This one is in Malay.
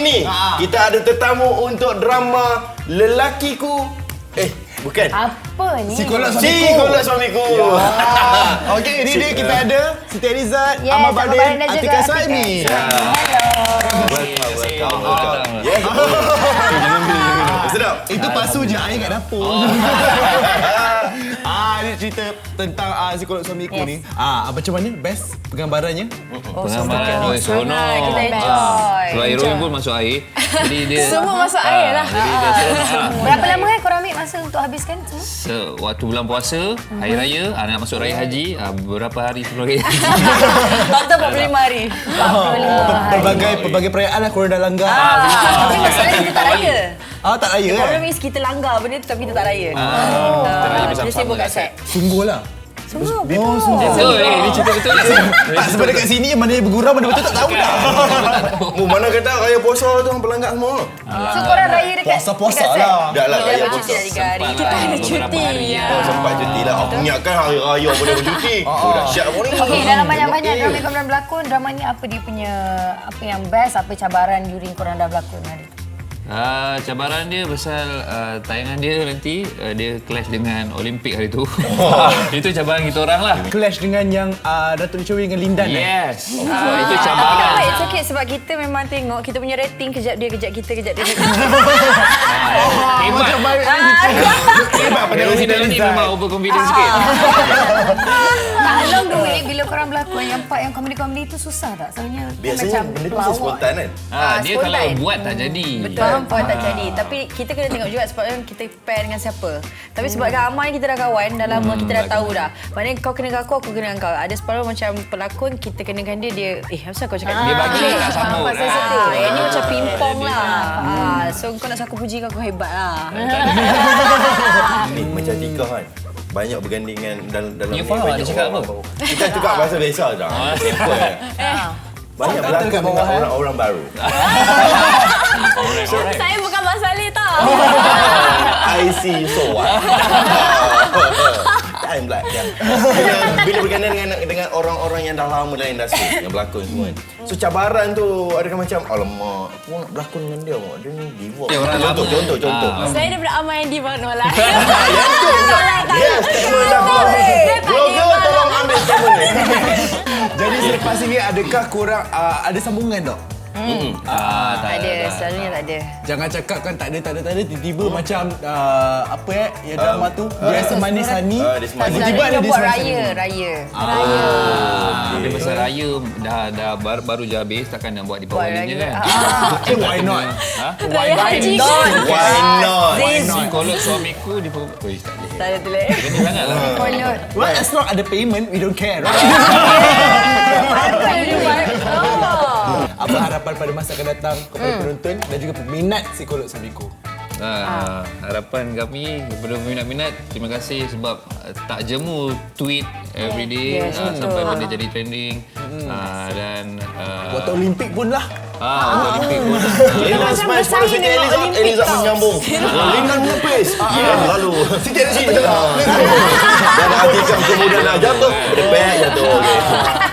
ini kita ada tetamu untuk drama Lelakiku. Bukan. Apa ni? Psikolog suamiku. Okey, ini dia kita ada Siti Elizad, Yes, Ahmad Ahmad Badin, Badin dan juga Atika Atika Saimi. Welcome. Sedap. Itu pasu je air kat dapur. Ini cerita tentang psikolog suamiku ni. Macam mana best penggambarannya? Penggambaran seronok. Kita enjoy. Sebab Heroin pun masuk air. Jadi dia Semua masuk air lah. Jadi dia seronok. Berapa lama korang ambil masa untuk habiskan semua? Waktu bulan puasa, hari raya, nak masuk raya haji, beberapa hari sebelum raya haji. Total 45 hari. 45 hari. Pelbagai perayaan lah korang dah langgar. Tapi masalahnya kita tak raya. Tak raya kan? Problem is kita langgar benda tu tapi kita tak raya. Kita raya Dia bersama-sama sibuk kat kat set. Sungguh lah. Sungguh. Betul, ini cerita betul lah. Tak, sebab dekat sini mana yang bergurau, mana betul tak tahu dah. Mana kata raya puasa tu hang pelanggar semua. So korang raya dekat Puasa-puasa dekat set? lah. Dah lah Kita raya bercuti puasa. dah 3 hari. Kita ada cuti. Sempat cuti lah. Aku ingatkan hari raya boleh bercuti. Dahsyat pun ni. Okey, dalam banyak-banyak drama yang korang berlakon, drama ni apa dia punya, apa yang best, apa cabaran during korang dah berlakon hari tu? Cabaran dia pasal tayangan dia nanti dia clash dengan Olimpik hari tu. Itu cabaran kita orang lah. Clash dengan yang Datuk Lee dengan Lindan. Yes. Itu Tapi tak cabaran. apa, it's okay sebab kita memang tengok kita punya rating kejap dia, kejap kita, kejap dia. Hebat. Hebat pada Heroin dalam ni memang overconfident sikit. Along the way, bila korang berlakon, yang part yang komedi-komedi tu susah tak? Soalnya Biasanya benda tu mesti spontan kan. Dia kalau spontan. buat tak jadi. Betul, buat tak jadi. Tapi kita kena tengok juga sebab kita pair dengan siapa. Tapi sebab dengan Amal ni kita dah kawan, dah lama kita dah tahu dah. Maknanya kau kena dengan aku kena dengan kau. Ada separuh macam pelakon, kita kenakan dia, asal kau cakap Dia bagi tak sambut. Yang ni macam pingpong lah. So kau nak aku puji kau hebat lah. Ni macam Tika kan. Banyak bergandingan dalam You faham banyak dia cakap orang apa? baru. Kita cakap bahasa biasa dah. Simple. Banyak berlakon dengan orang-orang baru. Saya bukan Mak Saleh tau. I see you so what? Time black. Bila berganding dengan orang-orang yang dah lama dalam industri, yang berlakon semua kan. So cabaran tu adakah macam alamak, aku nak berlakon dengan dia, dia ni diva. Contoh. Saya daripada Amal yang diva nolak. Yes, statement dah blogger tolong ambil statement ni. Jadi selepas ini adakah korang ada sambungan tak? Tak ada, selalunya tak ada. Jangan cakap kan tak ada, tiba-tiba macam yang drama tu biasa manis Hani, tiba-tiba ada Dia dia buat sambung. raya. Dia pasal raya dah baru je habis, takkan nak buat di bawah ni kan. Why not? Raya haji. Why not? Psikolog suamiku di tak boleh. Tak ada tulis. Kena sangatlah. Kolot. Well, as long ada payment, we don't care, right? Apa harapan pada masa akan datang kepada penonton dan juga peminat psikolog suamiku? Harapan kami kepada minat-minat, terima kasih sebab tak jemu tweet everyday sampai benda jadi trending dan Waktu Olimpik pun lah. waktu Olimpik pun Lindan smash pada Siti Elizad menyambung. Lindan menepis. Lalu Siti Elizad dah ada Atika kemudian dah jatuh. Berdepak jatuh.